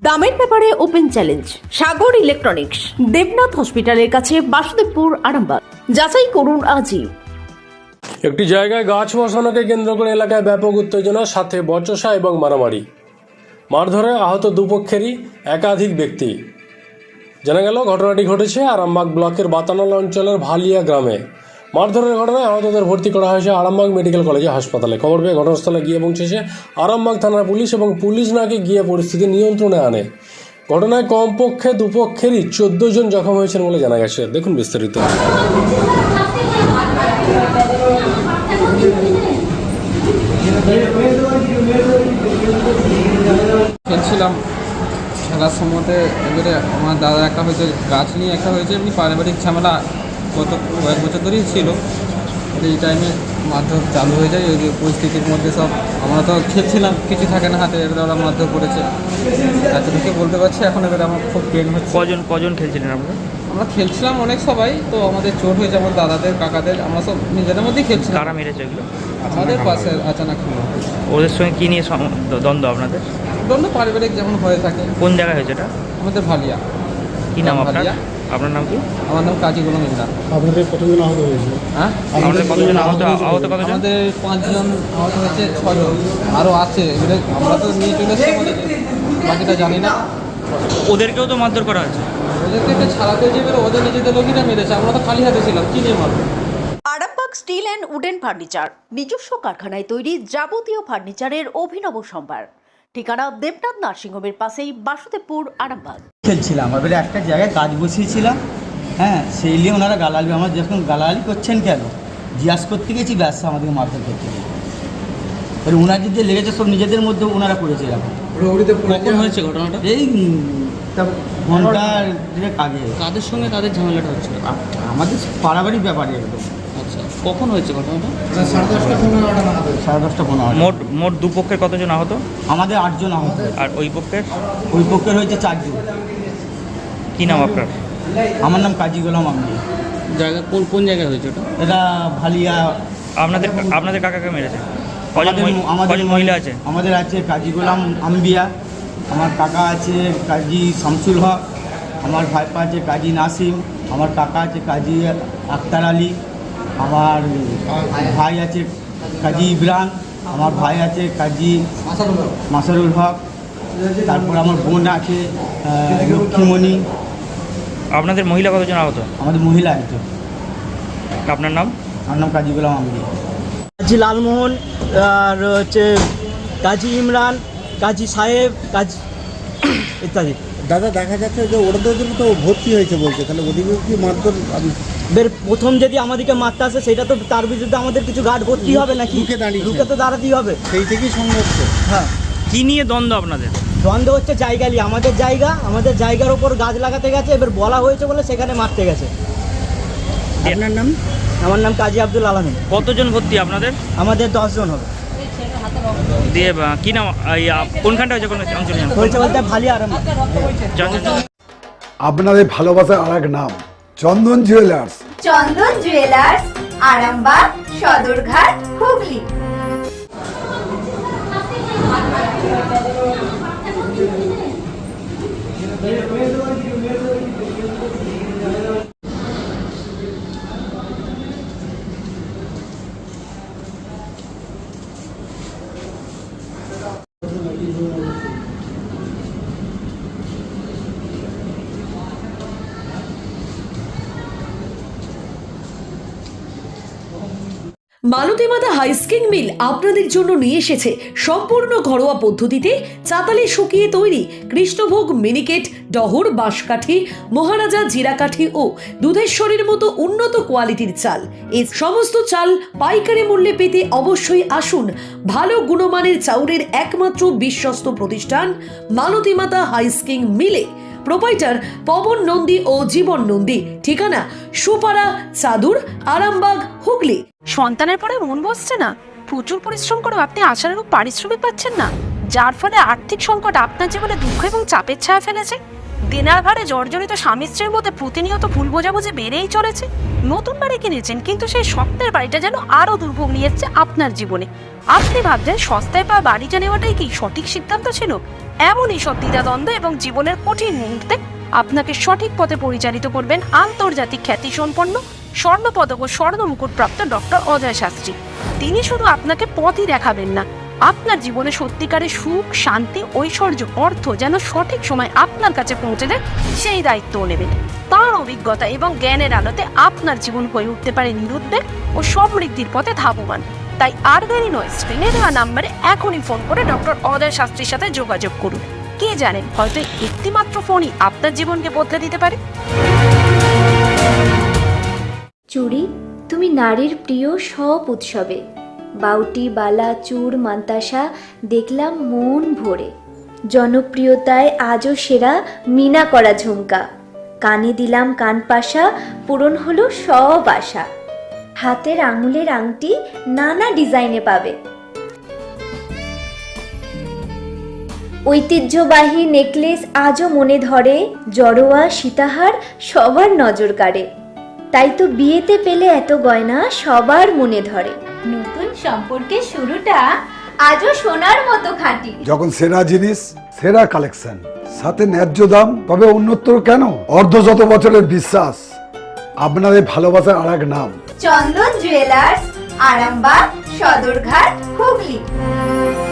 দামের ব্যাপারে open challenge Sagar electronics, Debnath হসপিটালের কাছে, বাসুদেবপুর, আরামবাগ। যাচাই করুন আজই। একটি জায়গায় গাছ বসানোকে কেন্দ্র করে এলাকায় ব্যাপক উত্তেজনা, সাথে বচসা এবং মারামারি। মারধরে আহত দুপক্ষেরই একাধিক ব্যক্তি। জানা গেল ঘটনাটি ঘটেছে আরামবাগ ব্লকের বাতানল অঞ্চলের ভালিয়া গ্রামে। মারধরের ঘটনায় আহতদের ভর্তি করা হয়েছে আরামবাগ মেডিকেল কলেজে হাসপাতালে। খবর পেয়ে ঘটনাস্থলে গিয়ে পৌঁছেছে আরামবাগ থানার পুলিশ এবং পুলিশ নাকি গিয়ে পরিস্থিতি নিয়ন্ত্রণে আনে। ঘটনায় কমপক্ষে দুপক্ষেরই 14 জন জখম হয়েছেন বলে জানা গেছে। দেখুন বিস্তারিত। খেলছিলাম, খেলার সময়তে এবারে আমার দাদা একটা হয়েছে, গাছ নিয়ে একটা হয়েছে, এমনি পারিবারিক ঝামেলা গত কয়েক বছর ধরেই ছিল। এই টাইমে মারধর চালু হয়ে যায়। ওই যে পরিস্থিতির মধ্যে সব আমরা তো খেলছিলাম, কিছু থাকে না হাতে, এবারে ওরা মারধর করেছে। এতটুকু বলতে পারছি। এখন এবারে আমার খুব পেন হচ্ছে। কজন খেলছিলেন আপনারা? আমরা খেলছিলাম অনেক সবাই, তো আমাদের চোট হয়েছে, আমার দাদাদের, কাকাদের, আমরা সব নিজেদের মধ্যেই খেলছিলাম। কারা মেরেছে এগুলো? আমাদের পাশে আচানক হলো। ওদের সঙ্গে কী নিয়ে দ্বন্দ্ব আপনাদের? দ্বন্দ্ব পারিবারিক যেমন হয়ে থাকে। কোন জায়গায় হয়েছে এটা? আমাদের ভালিয়া। কী নাম আপনার? ভালিয়া। আপনার নাম কি? আমার নাম কাজী গোলাম ইমরান। আপনাদের কতজন আহত হয়েছে? হ্যাঁ, আমাদের কতজন আহত কতজন? আমাদের 5 জন আহত হয়েছে, 6 জন আরও আছে। এবারে আমরা তো নিয়ে চলে এসেছি, আমাদের বাকিটা জানি না। ওদেরকেও তো মারধর করা হয়েছে। ওদেরকে একটা ছাড়াতে যে এবারে ওদের নিজেদের লোকই মেরেছে, আমরা তো খালি হাতে ছিলাম, কি নিয়ে মারবো? Arambagh steel and wooden furniture, নিজস্ব কারখানায় তৈরি যাবতীয় ফার্নিচারের অভিনব সম্ভার। ঠিকানা দেবনাথ নার্সিংহোমের পাশেই, বাসুদেবপুর, আরামবাগ। খেলছিলাম, এবারে একটা জায়গায় কাজ বসিয়েছিলাম। হ্যাঁ, সেই নিয়ে ওনারা গালালি, আমার যখন গালালি করছেন কেন জিজ্ঞাসা করতে গেছি, ব্যাস আমাদেরকে মারধর করতে গেছি। এবার ওনার যে লেগেছে সব নিজেদের মধ্যে ওনারা করেছে এরকম। কখন হয়েছে ঘটনাটা? এই ঘন্টা আগে। কাদের সঙ্গে তাদের ঝামেলাটা হচ্ছিল? আমাদের পারিবারিক ব্যাপারে একদম। আচ্ছা, কখন হয়েছে ঘটনাটা? 10:30-15। মোট দুপক্ষের কতজন আহত? আমাদের 8 জন আহত। আর ওই পক্ষের? ওই পক্ষের হয়েছে 4 জন। কী নাম আপনার? আমার নাম কাজী গোলাম আমলি। জায়গা কোন জায়গায় হয়েছে ওটা? এটা ভালিয়া। আপনাদের কাকাকে মেরেছে? কজন মহিলা আছে? আমাদের আছে কাজী গোলাম আম্বিয়া, আমার কাকা আছে কাজী শামসুল হক, আমার ভাইপা আছে কাজী নাসিম, আমার কাকা আছে কাজী আক্তার আলী, আমার ভাই আছে কাজী ইব্রান, আমার ভাই আছে কাজী মাসারুল হক, তারপর আমার বোন আছে লক্ষ্মীমণি। আপনাদের মহিলা কতজন আহত? আমাদের মহিলা একজন। আপনার নাম? আমার নাম কাজী গোলাম আম্বিয়া। কাজী লালমোহন, আর হচ্ছে কাজী ইমরান, কাজী সাহেব, কাজী ইত্যাদি। দাদা, দেখা যাচ্ছে যে ওদের জন্য তো ভর্তি হয়েছে বলছে, তাহলে ওদিকে কি মারধর? প্রথম যদি আমাদেরকে মারতে আসে, সেটা তো তার বিরুদ্ধে আমাদের কিছু গার্ড ভর্তি হবে নাকি? রুখে তো দাঁড়াতেই হবে, সেই থেকেই সংঘর্ষ। হ্যাঁ। কী নিয়ে দ্বন্দ্ব আপনাদের? দ্বন্দ্ব হচ্ছে জায়গা নিয়ে। আমাদের জায়গার ওপর গাছ লাগাতে গেছে, এবার বলা হয়েছে বলে সেখানে মারতে গেছে। আপনার নাম? আমার নাম কাজী আব্দুল আলমিন। কতজন ভর্তি আপনাদের? আমাদের 10 জন হবে। দিয়ে কী নাম, কোনখানটা হয়েছে, কোন অঞ্চলে হয়েছে বলতে ভালিয়া আরাম। আপনাদের ভালোবাসার আর এক নাম Chandan jewellers. Chandan jewellers, Arambagh, Sadarghat, Hooghly. Malatimata husking mill আপনাদের জন্য নিয়ে এসেছে সম্পূর্ণ ঘরোয়া পদ্ধতিতে চাতালে শুকিয়ে তৈরি কৃষ্ণভোগ, মিনিকেট, ডহর, বাঁশকাঠি, মহারাজা, জিরাকাঠি ও দুধেশ্বরীর মতো উন্নত কোয়ালিটির চাল। এই সমস্ত চাল পাইকারি মূল্যে পেতে অবশ্যই আসুন ভালো গুণমানের চাউলের একমাত্র বিশ্বস্ত প্রতিষ্ঠান মালতীমাতা হাইস্কিং মিলে। প্রোপাইটার পবন নন্দী ও জীবন নন্দী। ঠিকানা সুপারা, চাদুর, আরামবাগ, হুগলি। সন্তানের পরে মন বসছে না, প্রচুর পরিশ্রম করেও আপনি আশানুরূপ পারিশ্রমিক পাচ্ছেন না, যার ফলে আর্থিক সংকট আপনার জীবনে দুঃখ এবং চাপের ছায়া ফেলেছে। দিনার ভারে জর্জরিত স্বামী স্ত্রীর মধ্যে প্রতিনিয়ত ভুল বোঝাবুঝি বেড়েই চলেছে। নতুন বাড়ি কিনেছেন, কিন্তু সেই স্বপ্নের বাড়িটা যেন আরও দুর্ভোগ নিয়ে এসছে আপনার জীবনে। আপনি ভাবছেন সস্তায় পাওয়া বাড়িটা নেওয়াটাই কি সঠিক সিদ্ধান্ত ছিল? এমনই সব দ্বিধাদ্বন্দ্ব এবং জীবনের কঠিন মুহূর্তে আপনাকে সঠিক পথে পরিচালিত করবেন আন্তর্জাতিক খ্যাতিসম্পন্ন স্বর্ণপদক ও স্বর্ণ মুকুটপ্রাপ্ত ডক্টর অজয় শাস্ত্রী। তিনি শুধু আপনাকে পথই দেখাবেন না, আপনার জীবনে সত্যিকারের সুখ, শান্তি, ঐশ্বর্য, অর্থ যেন সঠিক সময় আপনার কাছে পৌঁছে দেয় সেই দায়িত্বও নেবেন। তার অভিজ্ঞতা এবং জ্ঞানের আলোতে আপনার জীবন হয়ে উঠতে পারে নিরুদ্বেগ ও সমৃদ্ধির পথে ধাবমান। তাই আর দেরি নয়, স্ক্রিনে দেওয়া নাম্বারে এখনই ফোন করে ডক্টর অজয় শাস্ত্রীর সাথে যোগাযোগ করুন। কে জানেন, হয়তো একটিমাত্র ফোনই আপনার জীবনকে বদলে দিতে পারে। চুড়ি, তুমি নারীর প্রিয় সব উৎসবে। বাউটি, বালা, চূড়, মান্তাসা দেখলাম মন ভরে। জনপ্রিয়তায় আজও সেরা মিনা করা ঝুমকা। কানে দিলাম কানপাশা, পূরণ হলো সব আশা। হাতের আঙুলের আংটি নানা ডিজাইনে পাবে। ঐতিহ্যবাহী নেকলেস আজও মনে ধরে। জড়োয়া, সীতাহার সবার নজর কাড়ে। তাই তো বিয়েতে পেলে এত গয়না সবার মনে ধরে। নতুন সম্পর্কের শুরুটা আজও সোনার মতো খাঁটি। যখন সেরা জিনিস, সেরা কালেকশন, সাথে ন্যায্য দাম, তবে উন্নতর কেন? অর্ধশত বছরের বিশ্বাস, আপনাদের ভালোবাসার আর এক নাম চন্দন জুয়েলার্স, আরামবাগ, সদরঘাট, হুগলি।